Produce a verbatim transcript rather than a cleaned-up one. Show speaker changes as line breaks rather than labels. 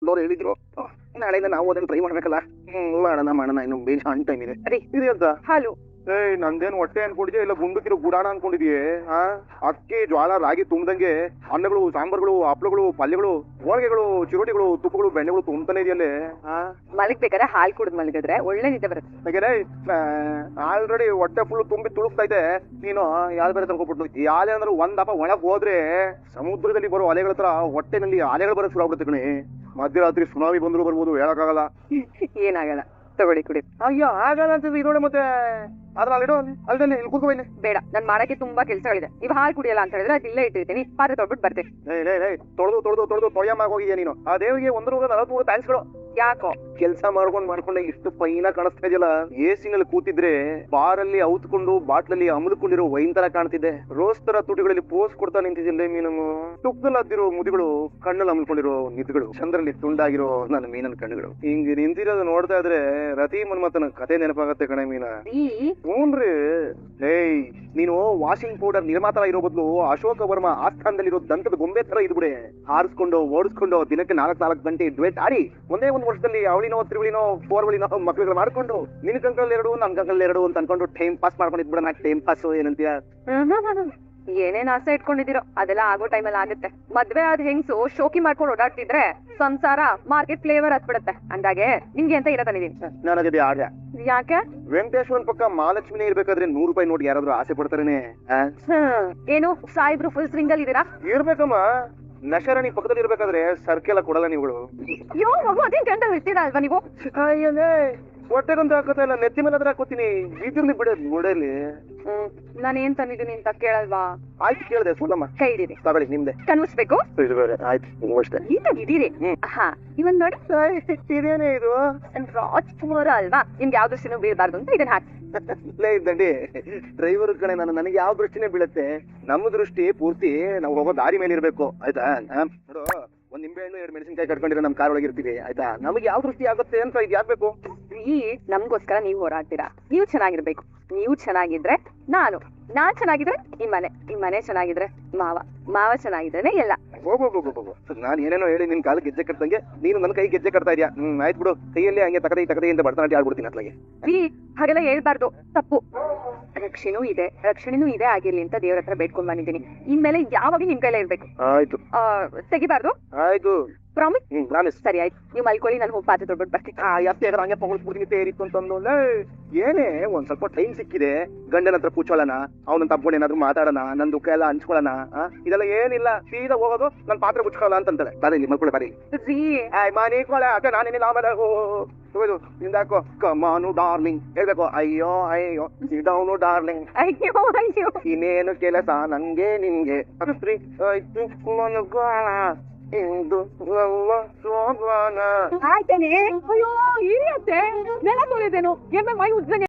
ಅವ್ರು ಹೇಳಿದ್ರು ನಾಳೆಯಿಂದ ನಾವು ಅದನ್ನ ಟ್ರೈ ಮಾಡ್ಬೇಕಲ್ಲ. ಹ್ಮ್ ಮಾಡೋಣ ಮಾಡೋಣ ಇನ್ನು ಬೇಗ ಆನ್ ಟೈಮ್ ಇದೆ.
ರೀ
ಇದೆ ಅಂತ
ಹಾಲು
ಏಯ್ ನಂದೇನು ಹೊಟ್ಟೆ ಅನ್ಕೊಂಡಿದ್ಯಾ ಇಲ್ಲ ಗುಂಡುಕಿರೋ ಗುಡಾಣ ಅನ್ಕೊಂಡಿದ್ಯೆ? ಆ ಅಕ್ಕಿ ಜ್ವಾಳ ರಾಗಿ ತುಂಬದಂಗೆ ಅನ್ನಗಳು ಸಾಂಬಾರ್ಗಳು ಹಪ್ಳಗಳು ಪಲ್ಯಗಳು ಹೋಳಿಗೆಗಳು ಚಿರೋಟಿಗಳು ತುಪ್ಪಗಳು ಬೆಣ್ಣೆಗಳು ತುಂಬತಾನೆ ಇದೆಯಲ್ಲೇ. ಆ
ಮಲಗ್ಬೇಕಾದ್ರೆ ಹಾಲು ಕುಡಿದ್ ಮಲಗಿದ್ರೆ ಒಳ್ಳೆ ನಿದ್ದೆ ಬರುತ್ತೆ.
ಆಲ್ರೆಡಿ ಹೊಟ್ಟೆ ಫುಲ್ ತುಂಬಿ ತುಳುಕ್ತಾ ಇದೆ, ನೀನು ಯಾವ್ದು ಬೇರೆ ತಗೊಂಡ್ಬಿಟ್ಟು ಯಾವ್ದೇ ಅಂದ್ರೆ ಒಂದಪ್ಪ ಒಳಗ್ ಹೋದ್ರೆ ಸಮುದ್ರದಲ್ಲಿ ಬರೋ ಅಲೆಗಳ ಹತ್ರ ಹೊಟ್ಟೆನಲ್ಲಿ ಅಲೆಗಳು ಬರೋ ಶುರು ಆಗ್ಬಿಡುತ್ತೆ ಕಣೆ. ಮಧ್ಯರಾತ್ರಿ ಸುನಾಮಿ ಬಂದ್ರು ಬರ್ಬೋದು, ಹೇಳಕ್ಕಾಗಲ್ಲ.
ಏನಾಗಲ್ಲ, ತಗೊಳ್ಳಿ ಕುಡಿ.
ಅಯ್ಯೋ ಆಗಲ್ಲ ಅಂತ ಇದೋಡೆ ಮತ್ತೆ ಅದ್ರ ಅಲ್ಲಿಡೋ ಅಲ್ದಲ್ಲಿ ಇಲ್ಲಿ ಕೂತ್ಕೋ ಇಲ್ಲಿ.
ಬೇಡ, ನನ್ ಮಾಡಕ್ಕೆ ತುಂಬಾ ಕೆಲ್ಸಗಳಿದೆ. ನೀವು ಹಾಲು ಕುಡಿಯಲ್ಲ ಅಂತ ಹೇಳಿದ್ರೆ ಅದು ಇಲ್ಲೇ ಇಟ್ಟಿರ್ತೀನಿ, ಪಾತ್ರೆ ತೊಳ್ಬಿಟ್ಟು ಬರ್ತೇನೆ.
ತೊಳೆದು ತೊಳೆದು ತೊಳೆದು ತೊಳೆಯಮ್ಮಾಗ ಹೋಗಿದ್ಯಾ ನೀನು. ಆ ದೇವಿಗೆ ಒಂದು ನೂರ ನಲವತ್ಮೂರು ಥ್ಯಾಂಕ್ಸ್ಗಳು.
ಯಾಕೋ
ಕೆಲಸ ಮಾಡ್ಕೊಂಡ್ ಮಾಡ್ಕೊಂಡೆ ಇಷ್ಟು ಫೈನ ಕಾಣಿಸ್ತಾ ಇದೆಯಲ್ಲ. ಎಸಿನಲ್ಲಿ ಕೂತಿದ್ರೆ ಬಾರಲ್ಲಿ ಔತ್ಕೊಂಡು ಬಾಟ್ಲಲ್ಲಿ ಅಮಲ್ಕೊಂಡಿರೋ ವೈನ್ ತರ ಕಾಣ್ತಿದ್ದೆ. ರೋಸ್ ತರ ತುಟಿಗಳಲ್ಲಿ ಪೋಸ್ ಕೊಡ್ತಾ ನಿಂತಿದ್ದಿಲ್ಲ ಮೀನಮ್ಮ. ತುಪ್ಪದಲ್ಲಿ ಹದ್ದಿರೋ ಮುದಿಗಳು, ಕಣ್ಣಲ್ಲಿ ಅಮಲ್ಕೊಂಡಿರೋ ನಿದ್ಗಳು, ಚಂದ್ರಲ್ಲಿ ತುಂಡಾಗಿರೋ ನನ್ನ ಮೀನನ್ ಕಣ್ಣುಗಳು. ಹಿಂಗ್ ನಿಂತಿರೋದು ನೋಡ್ತಾ ಇದ್ರೆ ರತಿ ಮನ್ಮಥನ ಕತೆ ನೆನಪಾಗತ್ತೆ ಕಣೆ ಮೀನ. ಹ್ಞೂನ್ರಿ. ಏಯ್ ನೀನು ವಾಷಿಂಗ್ ಪೌಡರ್ ನಿರ್ಮಾತ ಇರೋ ಬದಲು ಅಶೋಕ ವರ್ಮ ಆಸ್ಥಾನದಲ್ಲಿರೋ ದಂತದ ಗೊಂಬೆ ತರ ಇದ್ಬಿಡೆ. ಹಾರಿಸ್ಕೊಂಡು ಓಡಿಸ್ಕೊಂಡು ದಿನಕ್ಕೆ ನಾಲ್ಕು ನಾಲ್ಕು ಗಂಟೆ ಡ್ವೇಟ್ ಆಡಿ ಒಂದೇ ಒಂದು ವರ್ಷದಲ್ಲಿ ಅವಳಿನೋ ತಿರುಳಿನೋ ಫೋರ್ವಳಿನೋ ಮಕ್ಳುಗಳು ಮಾಡ್ಕೊಂಡು ನಿನ್ ಕಂಕಲ್ ಎರಡು ನನ್ ಕಂಕಲ್ ಎರಡು ಅಂತ ಅನ್ಕೊಂಡು ಟೈಮ್ ಪಾಸ್ ಮಾಡ್ಕೊಂಡಿದ್ಬಿಡ. ನಾ ಟೈಮ್ ಪಾಸ್ ಏನಂತೀಯ?
ಏನೇನ್ ಆಸೆ ಇಟ್ಕೊಂಡಿದ್ದೀರೋ ಅದೆಲ್ಲ ಆಗೋ ಟೈಮಲ್ಲಿ ಆಗುತ್ತೆ. ಮದ್ವೆ ಆದ ಹೆಂಗ್ಸು ಶೋಕಿ ಮಾಡ್ಕೊಂಡು ಓಡಾಡ್ತಿದ್ರೆ ಸಂಸಾರ ಮಾರ್ಕೆಟ್ ಫ್ಲೇವರ್ ಹತ್ಬಿಡುತ್ತೆ. ಅಂದಾಗೆ ನಿಮ್ಗೆ ಅಂತ ಇರೋ ತಂದಿದ್ದೀನಿ.
ನಾನು ಅದೇ ಆಡ್ಯ.
ಯಾಕೆ?
ವೆಂಕಟೇಶ್ವರನ್ ಪಕ್ಕ ಮಹಾಲಕ್ಷ್ಮಿನೇ ಇರ್ಬೇಕಾದ್ರೆ ನೂರು ರೂಪಾಯಿ ನೋಡಿ ಯಾರಾದ್ರೂ ಆಸೆ ಪಡ್ತಾರೇನೆ?
ಏನು ಸಾಯಿಬ್ರು ಫುಲ್ ಸ್ವಿಂಗ್ ಅಲ್ಲಿ ಇದ್ದೀರಾ?
ಇರ್ಬೇಕಮ್ಮ. ನಶರಾಣಿ ಪಕ್ಕದಲ್ಲಿ ಇರ್ಬೇಕಾದ್ರೆ ಸರ್ಕೆಲ್ಲ ಕೊಡಲ್ಲ ನೀವುಗಳು.
ಯೋ ಮಗು ಅದೇನ್ ಗಂಡ ಇರ್ತೀರಾ ಅಲ್ವಾ ನೀವು?
ಹೊಟ್ಟೆಗೊಂದು ಹಾಕೋತಾ ಇಲ್ಲ, ನೆತ್ತಿ ಮೇಲೆ ಅದ್ರ ಹಾಕೋತೀನಿ. ಬೀದಿರ್ಲಿ ಬಿಡ ನೋಡಲಿ.
ಹ್ಮ್ ನಾನು ಏನ್ ತಂದಿದ್ದೀನಿ ಅಂತ ಕೇಳಲ್ವಾ?
ಆಯ್ತು ಕೇಳಿದೆ ಸೋಲಮ್ಮ.
ಕೈ ಹಿಡೀರಿ.
ತಗೊಳ್ಳಿ ನಿಮ್ದೆ.
ಕನ್ವಿಸ್ಬೇಕು.
ಇದು ಬೇರೆ ಆಯ್ತು ನೀವು ಅಷ್ಟೇ.
ನೀಟಾಗಿದ್ದೀರಿ. ಹಾ ಇವನ್ ನೋಡಿ.
ಇದೇನೇ ಇದು
ರಾಜ್ಕುಮಾರ ಅಲ್ವಾ? ನಿಮ್ಗೆ ಯಾವ ದೃಷ್ಟಿನೂ ಬೀಳ್ಬಾರ್ದು ಅಂತ ಇದನ್ನ ಹಾಕಿ.
ಇಲ್ಲೇ ಇದ್ದಂಡಿ ಡ್ರೈವರ್ ಕಣೆ ನಾನು. ನನಗೆ ಯಾವ ದೃಷ್ಟಿನೇ ಬೀಳುತ್ತೆ? ನಮ್ಮ ದೃಷ್ಟಿ ಪೂರ್ತಿ ನಾವು ಹೋಗೋ ದಾರಿ ಮೇಲೆ ಇರ್ಬೇಕು ಆಯ್ತಾ? ನೋಡು, ಒಂದ್ ನಿಂಬೆ ಹಣ್ಣು ಎರಡು ಮೆಣಸಿನಕಾಯಿ ಕಟ್ಕೊಂಡಿರೋ ನಮ್ ಕಾರ್ ಒಳಗೆ ಇರ್ತೀವಿ ಆಯ್ತಾ? ನಮಗೆ ಯಾವ ದೃಷ್ಟಿ ಆಗುತ್ತೆ ಅಂತ ಇದು ಯಾಕಬೇಕು?
ಈ ನಮ್ಗೋಸ್ಕರ ನೀವು ಹೋರಾಡ್ತೀರಾ. ನೀವು ಚೆನ್ನಾಗಿರ್ಬೇಕು. ನೀವು ಚೆನ್ನಾಗಿದ್ರೆ ನಾನು, ನಾನ್ ಚೆನ್ನಾಗಿದ್ರೆ ಈ ಮನೆ, ಈ ಮನೆ ಚೆನ್ನಾಗಿದ್ರೆ ಮಾವ, ಮಾವ ಚೆನ್ನಾಗಿದ್ರೆ ಎಲ್ಲ.
ಹೋಗೋಗೋಗೋಗೋ ನಾನು ಏನೇನೋ ಹೇಳಿ ನಿನ್ ಕಾಲ ಗೆಜ್ಜೆ ಕಟ್ತಂಗೆ ನೀನು ನನ್ನ ಕೈ ಗೆಜ್ಜೆ ಕಟ್ತಾ ಇದೆಯಾ? ಹ್ಮ್ ಆಯ್ತು ಬಿಡು. ಕೈಯಲ್ಲಿ ಹಂಗೆ ತಕದಿ ತಕದಿ ಅಂತ ಬರ್ತಾನೆ ಆಡ್ಬಿಡ್ತೀನಿ ಅತ್ಲಾಗೆ.
ರೀ ಹಾಗೆಲ್ಲ ಹೇಳ್ಬಾರ್ದು, ತಪ್ಪು. ರಕ್ಷಣೆನೂ ಇದೆ, ರಕ್ಷಣೆನೂ ಇದೆ ಆಗಿರ್ಲಿ ಅಂತ ದೇವ್ರ ಹತ್ರ ಬೇಡ್ಕೊಂಡ್ ಬಂದಿದ್ದೀನಿ. ಇನ್ಮೇಲೆ ಯಾವಾಗ ನಿಮ್ ಕೈಲೇ ಇರ್ಬೇಕು.
ಆಯ್ತು.
ಆ ತೆಗಿಬಾರ್ದು.
ಆಯ್ತು.
ಪ್ರಾಮಿಸ್?
Hmm promise.
ಸರಿ ಆಯ್ತು, ನೀವು ಮಲ್ಕೊಳ್ಳಿ, ನಾನು ಹೋಗಿ ಪಾತ್ರೆ ತೊಳ್ಬಿಟ್ಟು ಬರ್ತೀನಿ.
ಆ ಎಷ್ಟೇ ಹಂಗೆ ಪಗೊಳ್ಸ್ಬಿಡ್ತೀನಿ ತೇರಿತ್ತು ಅಂತಂದು. ಏನೇ ಒಂದ್ ಸ್ವಲ್ಪ ಟೈಮ್ ಸಿಕ್ಕಿದೆ, ಗಂಡನ ಹತ್ರ ಕೂಚೋಳಣ, ಅವನ ತಪ್ಕೊಂಡು ಏನಾದ್ರು ಮಾತಾಡೋಣ, ನನ್ ದುಃಖ ಎಲ್ಲ ಹಂಚ್ಕೊಳ್ಳೋಣ. ಇದೆಲ್ಲ ಏನಿಲ್ಲ, ಸೀದಾ ಹೋಗೋದು, ನನ್ ಪಾತ್ರೆ ಮುಚ್ಕೊಳ್ಳೋಣ ಅಂತಂತಾಳೆ. ಬಾರಿ ಮಲ್ಕೊಳ್ಳಿ ಬಾರಿ.
ರೀ
ಮನಿಕೊಳ್ಳ ಅಕ್ಕ ನಾನೇನಿಲ್ಲ ಆಮೇಲೆ ಹೋಗೋದು ನಿಂದಾಕೋ. ಕಮಾನು ಡಾರ್ಲಿಂಗ್ ಹೇಳ್ಬೇಕು. ಅಯ್ಯೋ ಅಯ್ಯೋ ಡೌನು ಡಾರ್ಲಿಂಗ್.
ಅಯ್ಯೋ ಅಯ್ಯೋ
ಇನ್ನೇನು ಕೆಲಸ ನಂಗೆ ನಿನ್ಗೆ ಆಯ್ತು ಮನಗೋಣ ಇಂದು
ಆಯ್ತೇನೆ. ಅಯ್ಯೋ ಇರಿಯತ್ತೆ ನೆಲ ತೊಳೆದೇನು ಎಮ್ಮೆ ಮೈ ಉಜ್ಜಂಗೆ